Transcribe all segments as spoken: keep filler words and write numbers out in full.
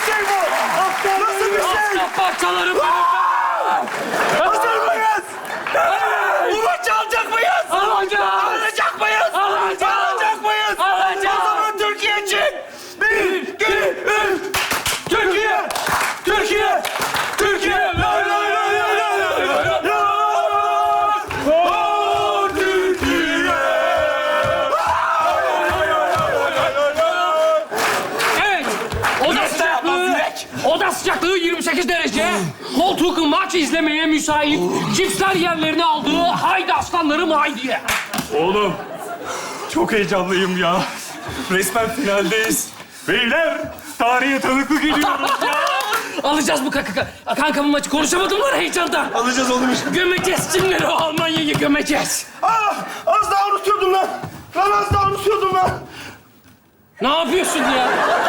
şey bu? Nasıl bir şey? Aslan parçalarım benim. Hazır mıyız? Bu maçı alacak mıyız? Alacağız. Alacak mıyız? Alacağız. Alacak mıyız? Alacağız. O zaman Türkiye için. Bir, iki, üç. Türkiye! Türkiye! Türkiye! Lay lay lay lay lay lay lay lay. Oh, Türkiye! Evet. Oda sıcaklığı, oda sıcaklığı yirmi sekiz derece. Koltuk maç izlemeye müsait. Cipsler yerlerini aldı. Haydi aslanlarım haydi. Oğlum, çok heyecanlıyım ya. Resmen finaldeyiz. Beyler, tarihe tanıklık ediyoruz ya. Alacağız bu kanka. Kanka bu maçı konuşamadım lan heyecandan. Alacağız oğlum işte. Gömeceğiz kimleri o Almanya'yı gömeceğiz. Ah, az daha unutuyordum lan. Lan az daha unutuyordum lan. Ne yapıyorsun ya?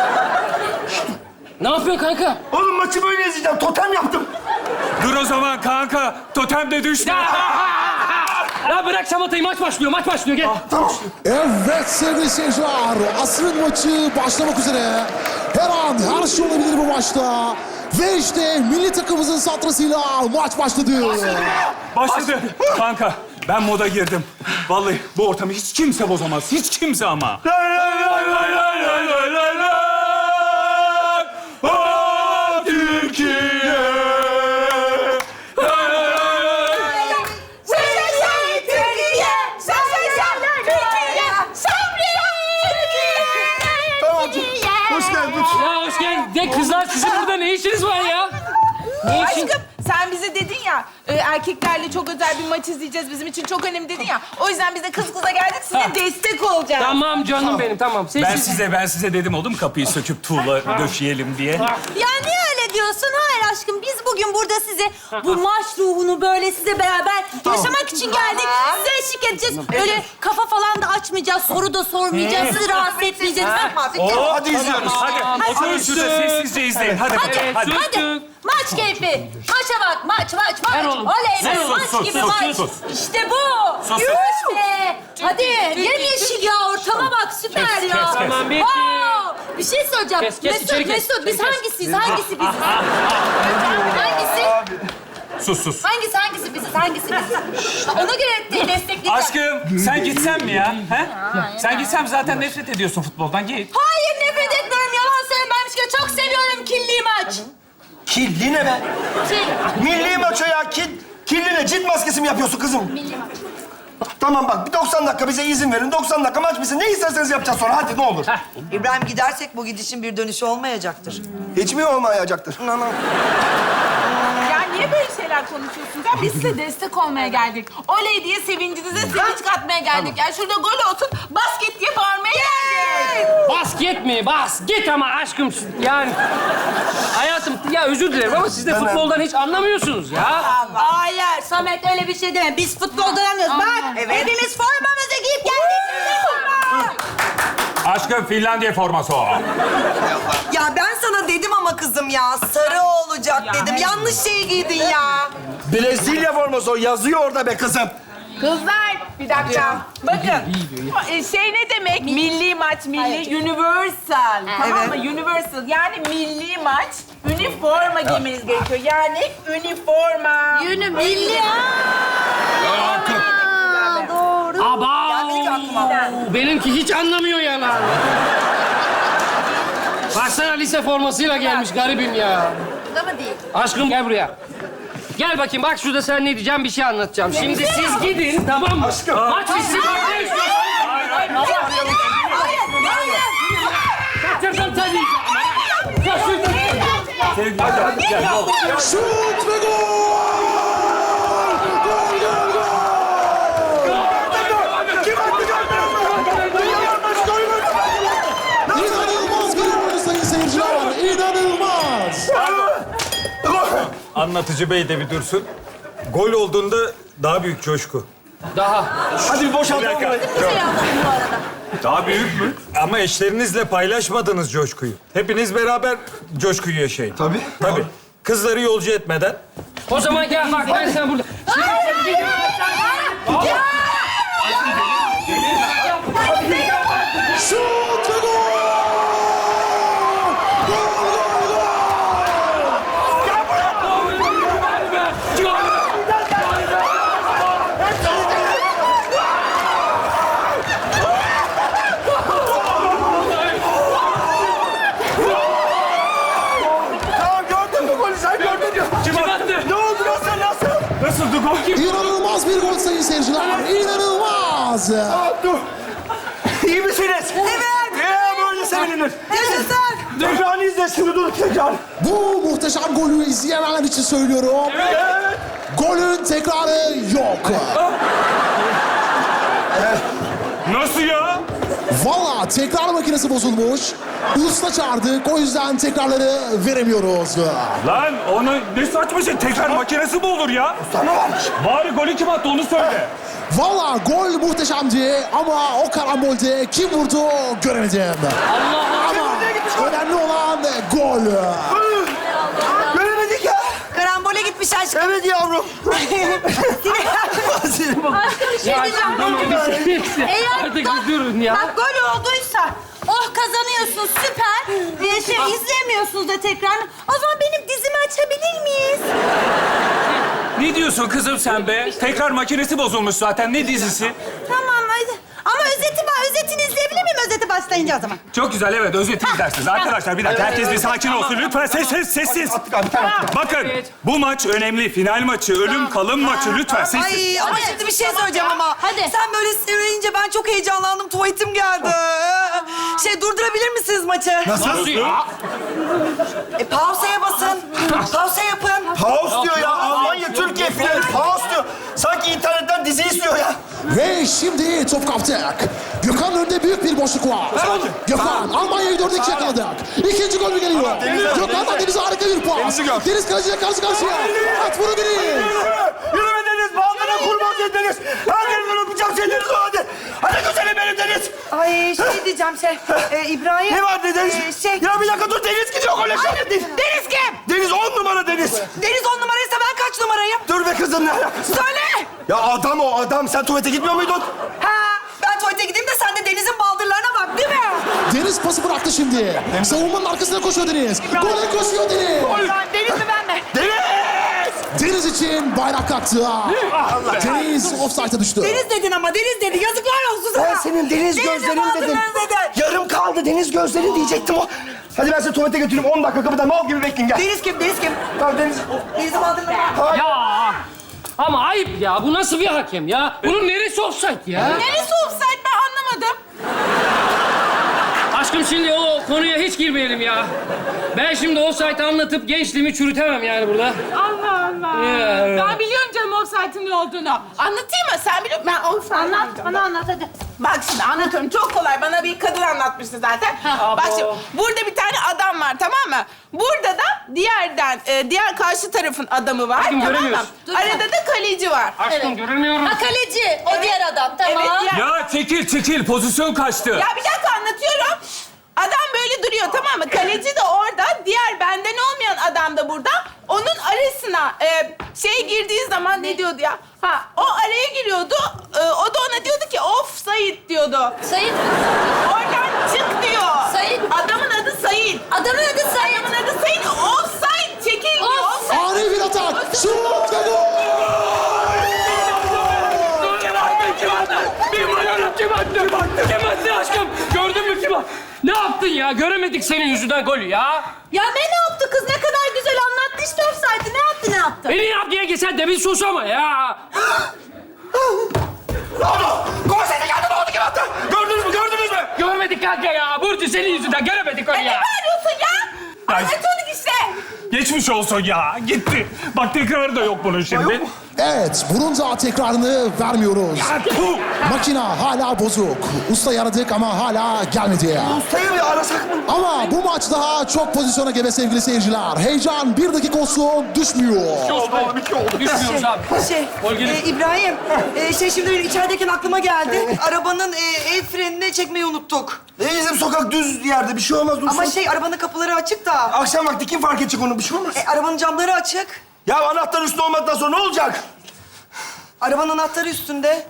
Ne yapıyorsun kanka? Oğlum maçı böyle izleyeceğim. Totem yaptım. Dur o zaman kanka. Totem de düşme. Ya, ya bırak şamatayı maç başlıyor maç başlıyor gel. Tamam. Evet sevgili seyirciler, asrın maçı başlamak üzere. Her an her şey olabilir bu maçta. Ve işte milli takımımızın satrasıyla maç başladı. Başladı. Kanka ben moda girdim. Vallahi bu ortamı hiç kimse bozamaz. Hiç kimse ama. Lay lay lay lay lay lay lay lay lay. Oh, Türkiye! Lay lay lay lay. Yaşasın Türkiye! Yaşasın Türkiye! Sabriye Türkiye! Tamam, hoş geldin. Ya hoş geldin. De kızlar sizin burada ne işiniz var ya? Ne işin? Aşkım sen bize dedin ya, e, erkeklerle çok özel bir maç izleyeceğiz. Bizim için çok önemli dedin ya. O yüzden biz de kız kıza geldik, size Ha. destek olacağız. Tamam canım benim tamam. Sessiz. Ben size ben size dedim oğlum kapıyı söküp tuğla döşeyelim diye. Ya niye öyle diyorsun? Hayır aşkım, biz bugün burada size bu maç ruhunu böyle size beraber yaşamak için geldik. Size eşlik edeceğiz. Böyle kafa falan da açmayacağız, soru da sormayacağız, sizi rahatsız etmeyeceğiz. Oo, Hadi izliyoruz. Hadi oturun şurada sessizce izleyin. Hadi Hadi, hadi. hadi. Hadi. Maç keyfi. Maça bak, maç, maç, maç. Ver oğlum. Oley be, Sus, maç sus, gibi sus, maç. sus. İşte bu. Sus, sus. Yürü be. Hadi, yemyeşil ya, ortama bak, süper Kes, ya. kes, kes. Tamam, bitti. Wow. Bir şey söyleyeceğim. Kes, kes, Mesut, içeri kes, Mesut, biz içeri kes. hangisiyiz, hangisi biziz? Hangisi? Sus sus. Hangisi hangisi biziz, hangisi biziz? Ona göre de destekleyeceğim. Aşkım sen gitsen mi ya? He? Sen gitsem zaten nefret ediyorsun futboldan. Git. Hayır, nefret etmiyorum. Yalan söylemem ki. Çok seviyorum kirli maç. Kirli ne be? Kil. Milli maç o ya. Kil, kirli ne? Cilt maskesi mi yapıyorsun kızım? Milli maç. Tamam bak, bir doksan dakika bize izin verin. doksan dakika maç bitsin. Ne isterseniz yapacağız sonra. Hadi ne olur. İbrahim gidersek bu gidişin bir dönüşü olmayacaktır. Hiç mi olmayacaktır? Ya niye böyle şeyler konuşuyorsunuz? Ya biz size destek olmaya geldik. Oley diye sevincinize sevinç katmaya geldik. Yani şurada gol olsun, basket diye bağırmaya geldik. Basket mi? Basket ama aşkım yani. Hayatım ya özür dilerim ama siz de futboldan hiç anlamıyorsunuz ya. Hayır, Samet öyle bir şey deme. Biz futboldan anlıyoruz. Bak, hepimiz formamızı giyip geldik. Aşkım Finlandiya forması o. Ya ben sana dedim ama kızım ya, sarı olacak dedim. Yanlış şeyi giydin ya. Brezilya forması o. Yazıyor orada be kızım. Kızlar, bir dakika. Bakın, e, şey ne demek? Milli maç, milli, universal. Tamam mı? Universal, yani milli maç, üniforma giymeniz gerekiyor. Yani üniforma. Yünü milli. Aa, doğru. Aba! Geldi aklıma. Benimki hiç anlamıyor ya lan. Baksana lise formasıyla gelmiş garibim ya. Da mı değil? Aşkım gel buraya. Gel bakayım bak şurada sen ne diyeceğim bir şey anlatacağım. Şimdi siz gidin tamam mı? Aşkım. Maç bitsin bak ne istiyorsun? Kaçırdım tabii. Kaçırdım. Şut ve gol! Gol, gol, gol! Kim attı gol? İnanılmaz bir oyun sayın seyirciler. İnanılmaz. Anlatıcı bey de bir dursun. Gol olduğunda daha büyük coşku. Daha. Hadi bir boşaltalım burayı. Bir şey anladım bu arada. Daha büyük mü? Ama eşlerinizle paylaşmadınız coşkuyu. Hepiniz beraber coşkuyu yaşayın. Tabii. Tabii. Kızları yolcu etmeden. O zaman gel bak ben sen burada. Şimdi sen gidin. Şut ve gol! Gol, gol, gol! İnanılmaz bir gol sayın seyirciler. İnanılmaz. Dur. İyi misiniz? Evet. Ee, böyle sevinilir. Yaşasın. Tekrarını izle şimdi dur tekrar. Bu muhteşem golü izleyenler için söylüyorum. Evet. Golün tekrarı yok. Nasıl ya? Valla tekrar makinesi bozulmuş. Usta çağırdık, o yüzden tekrarları veremiyoruz. Lan onu ne saçma şey. Tekrar makinesi mi olur ya? Sana varmış. Bari golü kim attı onu söyle. Valla gol muhteşemdi ama o karambolde kim vurdu göremedim. Ama önemli olan gol. Göremedik ya. Karambole gitmiş aşkım. Evet yavrum. Aşkım bir şey diyeceğim. Tamam biz, biz, Eğer artık bak, biz durun ya. bak gol olduysa, oh kazanıyorsun süper. Ee, şey izleyemiyorsunuz da tekrar. O zaman benim dizimi açabilir miyiz? Ne diyorsun kızım sen be? Tekrar makinesi bozulmuş zaten. Ne dizisi? Tamam hadi. Ama özeti var. Özetini izleyebilir miyim özeti başlayınca o zaman? Çok güzel evet özeti izlersiniz. Arkadaşlar bir dakika herkes bir sakin olsun. Lütfen sessiz sessiz. Bakın bu maç önemli. Final maçı, ölüm kalım maçı. Lütfen sessiz. Ay ama Hadi. şimdi bir şey söyleyeceğim ama. Hadi. Sen böyle söyleyince ben çok heyecanlandım. Tuvaletim geldi. Şey durdurabilir misiniz maçı? Nasıl ya? E, pausa'ya basın. Pausa yapın. Pause diyor ya. Almanya Türkiye finali pause diyor. Sanki internetten dizi izliyor ya. Ve şimdi top kaptık. Gökhan'ın önünde büyük bir boşluk var. Gökhan, Almanya'yı dört iki yakaladık. İkinci gol mü geliyor? Gökhan'dan Deniz'e harika bir pas. Deniz kaleciyle karşı karşıya. At bunu Deniz. Yürüme Deniz. Bağlarına kurban Deniz. Her yerinden öpeceğim seni Deniz o hadi. Hadi güzelim benim Deniz. Ay şey diyeceğim şey. E, İbrahim. Ne var Deniz? E, şey. Ya bir dakika dur Deniz gidiyor gole. Deniz. Deniz kim? Deniz on numara Deniz. Deniz on numaraysa ben kaç numarayım? Dur be kızım ne alakası? Söyle. Ya adam o adam. Sen tuvalete gitmiyor muydun? Ha, ben tuvalete gideyim de sen de Deniz'in baldırlarına bak değil mi? Deniz pası bıraktı şimdi. Savunmanın arkasına koşuyor Deniz. Gole koşuyor Deniz. Deniz mi ben mi? Deniz! Deniz için bayrak kalktı. Deniz offside'a düştü. Deniz dedin ama Deniz dedi. Yazıklar olsun sana. Ben senin deniz Deniz'in gözlerin dedim. baldırlarını dedi. Yarım kaldı deniz gözlerin diyecektim o. Hadi ben seni tuvalete götüreyim. on dakika kapıda mal gibi bekleyin gel. Deniz kim? Deniz kim? Tamam Deniz. Deniz'in baldırlarına. Ya ama ayıp ya. Bu nasıl bir hakem ya? Bunun neresi offside ya? Neresi offside ben anlamadım. Aşkım şimdi o konuya hiç girmeyelim ya. Ben şimdi offside'ı anlatıp gençliğimi çürütemem yani burada. Allah Allah. Ya. Ben biliyorum canım offside'ın ne olduğunu. Anlatayım mı? Sen biliyor musun? Ben offside Anlat, bana anlat hadi. Bak şimdi anlatıyorum. Çok kolay. Bana bir kadın anlatmıştı zaten. Bak şimdi burada bir tane adam var tamam mı? Burada da diğerden, e, diğer karşı tarafın adamı var Aşkım, tamam mı? göremiyoruz. Arada da kaleci var. Aşkım göremiyorum. Ha kaleci, o diğer adam tamam. Evet, diğer... Ya çekil çekil pozisyon kaçtı. Ya bir dakika anlatıyorum. Adam böyle duruyor tamam mı? Kaleci de orada, diğer benden olmayan adam da burada. Onun arasına e, şey girdiği zaman ne diyordu ya? Ha, o araya giriyordu. E, o da ona diyordu ki offside diyordu. Sayın, Oradan çık diyor. Sayın. Adamın adı Sayın. adamın adı Sayın. Adamın adı Sayın. Offside çekil diyor. Offside. Ani bir atak. Şut ve gol. Kim attı? Kim attı? Bilmiyorum kim attı? Kim attı aşkım? Gördün mü kim attı? Ne yaptın ya? Göremedik senin yüzünden golü ya. Ya ne ne yaptı kız? Ne kadar güzel anlattı işte offside'ı. Ne yaptı ne yaptı? Beni yap diye geçen demin sus ama ya. Ne oldu? Gol sesi geldi ne oldu kim attı? Gördünüz mü gördünüz mü? Görmedik kanka ya. Burcu senin yüzünden göremedik golü Ne ya. bağırıyorsun ya? Anlatıyorduk işte. Geçmiş olsun ya gitti. Bak tekrarı da yok bunun şimdi. Evet, bunun da tekrarını vermiyoruz. Puh! Makina hala bozuk. Usta yaradık ama hala gelmedi. Ustayı bir arasak mı? Ama bu maç daha çok pozisyona gebe sevgili seyirciler. Heyecan bir dakika olsun düşmüyor. Oldu iki oldu. Düşmüyoruz abi. Şey, Gol gelin. e, İbrahim, e, şey şimdi benim içerideyken aklıma geldi. Arabanın e, el frenini çekmeyi unuttuk. Ne bizim sokak düz yerde bir şey olmaz dursun. Ama şey arabanın kapıları açık da. Akşam vakti kim fark edecek onu bir şey olmaz. E, arabanın camları açık. Ya anahtar üstüne olmadıktan sonra ne olacak? Arabanın anahtarı üstünde.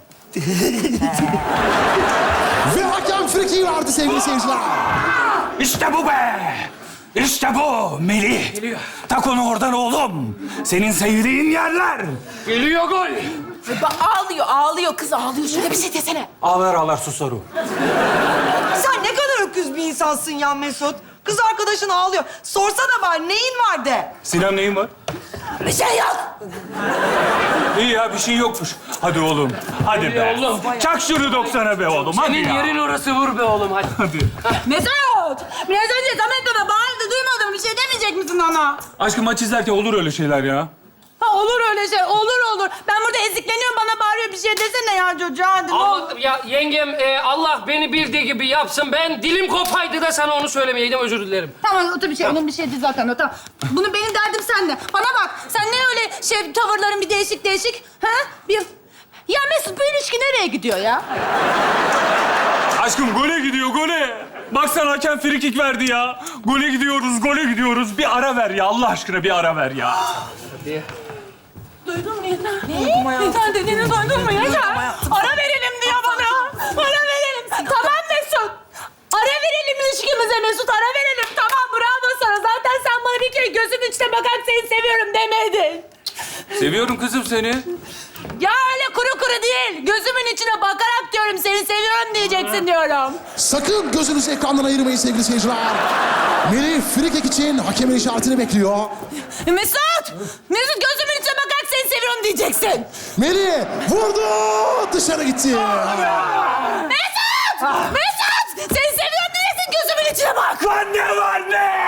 Ve hakem frikiyi verdi sevgili seyirciler. İşte bu be! İşte bu Melih. Geliyor. Tak onu oradan oğlum. Senin sevdiğin yerler. Geliyor gol. Bak ağlıyor, ağlıyor. Kız ağlıyor. Şöyle bir şey desene. Ağlar ağlar susar o. Sen ne kadar öküz bir insansın ya Mesut. Kız arkadaşın ağlıyor. Sorsana bari neyin var de. Sinan neyin var? Bir şey yok. İyi ya bir şey yokmuş. Hadi oğlum. Hadi be. oğlum. Çak şunu doksana be oğlum. Hadi Senin ya. yerin orası, vur be oğlum hadi. Hadi. Mesut! Biraz önce Samet bana bağırdı, duymadın. Bir şey demeyecek misin ona? Aşkım maç izlerken olur öyle şeyler ya. Ha olur öyle şey, olur olur. Ben burada ezikleniyorum, bana bağırıyor. Bir şey desene ya çocuğa, hadi ne olur. Allah, ya yengem e, Allah beni bildiği gibi yapsın. Ben dilim kopaydı da sana onu söylemeyeydim, özür dilerim. Tamam, o da bir şey, onun bir şeydi zaten o, tamam. Bunu benim derdim sende. Bana bak, sen ne öyle şey, tavırların bir değişik değişik, ha? Bir... Ya Mesut, bu ilişki nereye gidiyor ya? Aşkım gole gidiyor gole. Baksana hakem frikik verdi ya. Gole gidiyoruz, gole gidiyoruz. Bir ara ver ya Allah aşkına bir ara ver ya. Duydun mu Yeter? Ne? Yeter dediğini duydun mu Yeter? Ara verelim diyor bana. Ara verelim. Tamam Mesut. Ara verelim ilişkimize Mesut, ara verelim. Tamam, bravo sana. Zaten sen bana bir kere gözümün içine bakarak seni seviyorum demedin. Seviyorum kızım seni. Ya öyle kuru kuru değil. Gözümün içine bakarak diyorum seni seviyorum diyeceksin diyorum. Sakın gözünüzü ekrandan ayırmayın sevgili seyirciler. Melih frikik için hakemin işaretini bekliyor. Mesut! Mesut, gözümün içine bakarak seni seviyorum diyeceksin. Melih vurdu, dışarı gitti. Mesut! Mesut! Seni seviyorum diyeceksin, gözümün içine bak. Lan ne var ne?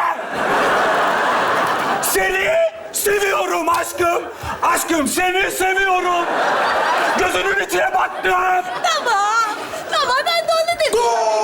Seni seviyorum aşkım. Aşkım seni seviyorum. Gözünün içine baktım. Tamam. Tamam, ben de onu dedim.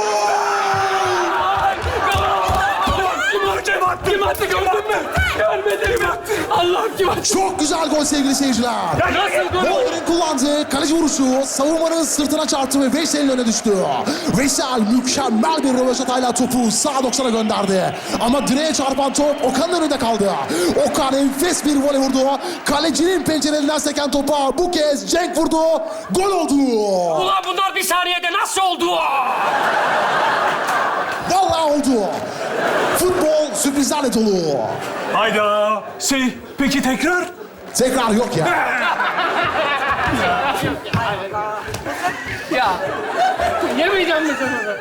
Kim attı? Kim attı gördün mü? Görmedim. Allah'ım kim attı? Çok güzel gol sevgili seyirciler. Nasıl gol? Bolder'in kullandığı kaleci vuruşu savunmanın sırtına çarptı ve Veysel'in önüne düştü. Veysel mükemmel bir röveşatayla topu sağ doksana gönderdi. Ama direğe çarpan top Okan'ın önünde kaldı. Okan enfes bir voley vurdu. Kalecinin pencerelerinden seken topa bu kez Cenk vurdu. Gol oldu. Ulan bunlar bir saniyede nasıl oldu? Vallahi oldu. Futbol sürprizlerle dolu. Hayda. Şey peki tekrar? Tekrar yok ya. Ya. Yemeyeceğim mi sen onu?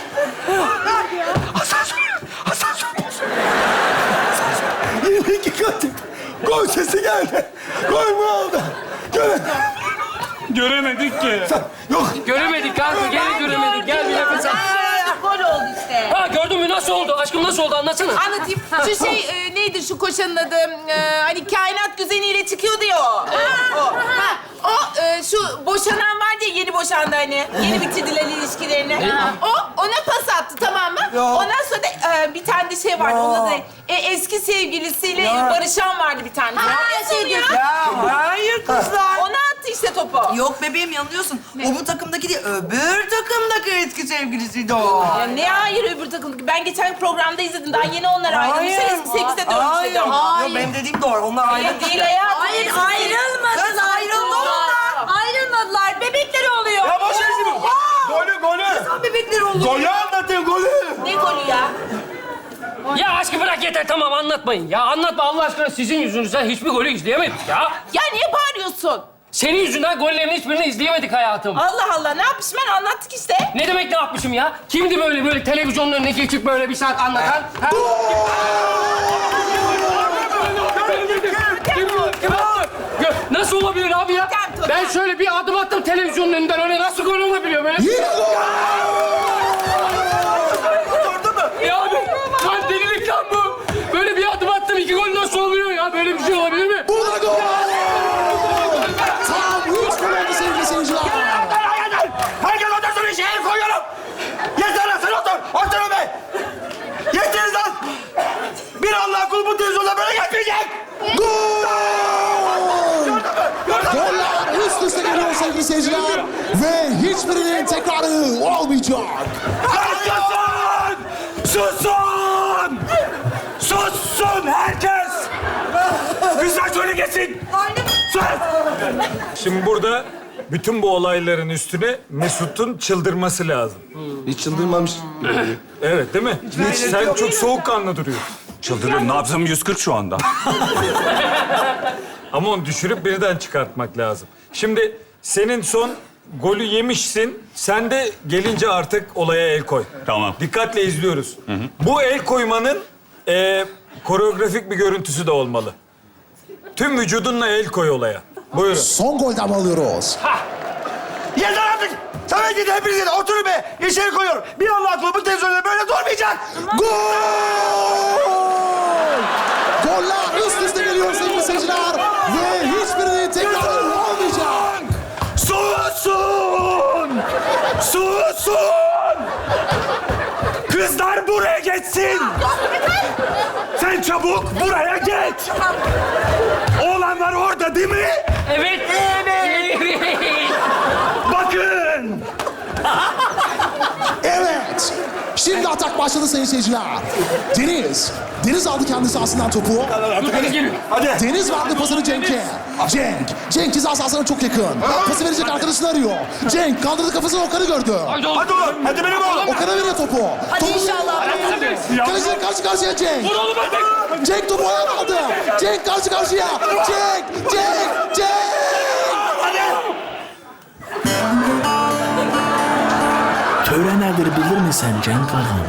Yine iki katı. Gol sesi geldi. Gol mü oldu? Göre. Göremedik ki. Yok. Göremedik kanka, geri göremedik. Gel bir nefes al. Aa, gol oldu işte. Ha gördün mü nasıl oldu? Aşkım nasıl oldu anlatsana. Anlatayım. Şu şey e, neydi şu koşanın adı? E, hani kainat güzeliyle çıkıyordu ya o. O. o. Ha, o e, şu boşanan vardı ya, yeni boşandı hani. Yeni bitirdiler ilişkilerini. O ona pas attı, tamam mı? Ondan sonra da e, bir tane de şey vardı. Onun adı e, eski sevgilisiyle barışan vardı bir tane. Ha, şey diyorsun. Ya hayır kızlar. Ona attı işte topu. Yok bebeğim, yanılıyorsun. O bu takımdaki değil, öbür takımdaki eski sevgilisiydi o. Ya ne hayır öbür takımdaki? Ben geçen programda izledim. Daha yeni onlar ayrılmışlar. Eski sevgilisi de dönmüş Hayır. dedi. Yok, benim dediğim doğru. Onlar ayrı. Hayır değil hayatım. Hayır, Eski ayrılmadılar. Kız ayrıldı onlar. Ayrılmadılar. Bebekleri oluyor. Ya boş ver şimdi. Golü golü. Bebekleri oldu. Golü anlatın golü. Ne golü ya? Ya aşkım bırak yeter, tamam anlatmayın. Ya anlatma Allah aşkına, sizin yüzünüzden hiçbir golü izleyemedik ya. Ya niye bağırıyorsun? Senin yüzünden gollerin hiçbirini izleyemedik hayatım. Allah Allah, ne yapmışım ben? Anlattık işte. Ne demek ne yapmışım ya? Kimdi böyle böyle televizyonun önüne geçip böyle bir saat anlatan? Ha? Kim, kim attı? Gö- Nasıl olabilir abi ya? Totem, totem. Ben şöyle bir adım attım televizyonun önünden, öyle nasıl gol olabiliyor böyle? Yine gol. Ya abi, lan delilik lan bu. Böyle bir adım attım, iki gol nasıl oluyor ya? Böyle bir şey olabilir mi? Bu da gol. Tam üç gol oldu sevgili seyirciler. Herkes otursun, işe el koyuyorum. Yeter lan, sen otur. Oturun be. Yetiniz lan. Bir Allah kulu bu televizyonda böyle geçmeyecek. Gol! Goller üst üste geliyor sevgili seyirciler. Ve hiçbirinin tekrarı olmayacak. Susun! Susun! Sussun herkes! Güzel söyle geçsin! Sus! Şimdi burada bütün bu olayların üstüne Mesut'un çıldırması lazım. Hiç çıldırmamış. Evet değil mi? Hiç, sen çok soğukkanlı duruyorsun. Çıldırıyorum. Nabzım yüz kırk şu anda. Ama onu düşürüp birden çıkartmak lazım. Şimdi senin son golü yemişsin. Sen de gelince artık olaya el koy. Tamam. Dikkatle izliyoruz. Bu el koymanın e, koreografik bir görüntüsü de olmalı. tüm vücudunla el koy olaya. Buyurun. Son golden mi alıyoruz? Yeter artık. Samet gidin hepiniz gidin. Oturun be. İçeri koyuyorum. Bir Allah kulu bu televizyonda böyle durmayacak. Gol! Goller üst üste geliyor sevgili seyirciler. Ve hiçbirinin tekrarı olmayacak. Susun! Susun! Kızlar buraya geçsin! Sen çabuk buraya geç! Oğlanlar orada değil mi? Evet. Evet. Bakın! Evet. Şimdi atak başladı sayın seyirciler. Deniz. Deniz aldı kendi sahasından topu. Hadi. Deniz verdi pasını Cenk'e. Cenk. Cenk ceza sahasına çok yakın. Pası verecek arkadaşını arıyor. Cenk kaldırdı kafasını Okan'ı gördü. Haydi oğlum. Hadi oğlum. Hadi benim oğlum. Okan'a veriyor topu. Hadi Topu- inşallah. Kaleciyle karşı karşıya Cenk. Vur oğlum hadi. Cenk topu ayağına aldı. Cenk karşı karşıya. Cenk, Cenk, Cenk. Tören nedir bilir misin Cenk Hanım?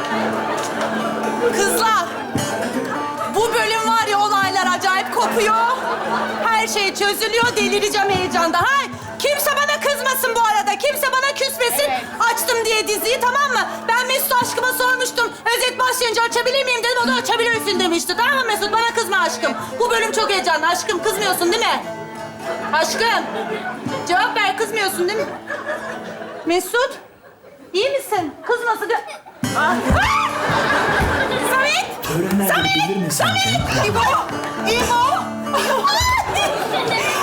Kızlar, bu bölüm var ya olaylar acayip kopuyor. Her şey çözülüyor, delireceğim heyecanda. Ha? Kimse bana kızmasın bu arada, kimse bana küsmesin. Açtım diye diziyi, tamam mı? Ben Mesut aşkıma sormuştum. Özet başlayınca açabilir miyim dedim, o da açabilirsin demişti. Tamam mı Mesut? Bana kızma aşkım. Bu bölüm çok heyecanlı. Aşkım kızmıyorsun değil mi? Aşkım, cevap ver, kızmıyorsun değil mi? Mesut, iyi misin? Kızmasın. Ah! Ah! Samet! Tören nedir bilir misin Cenk Hanım? İbo! İbo!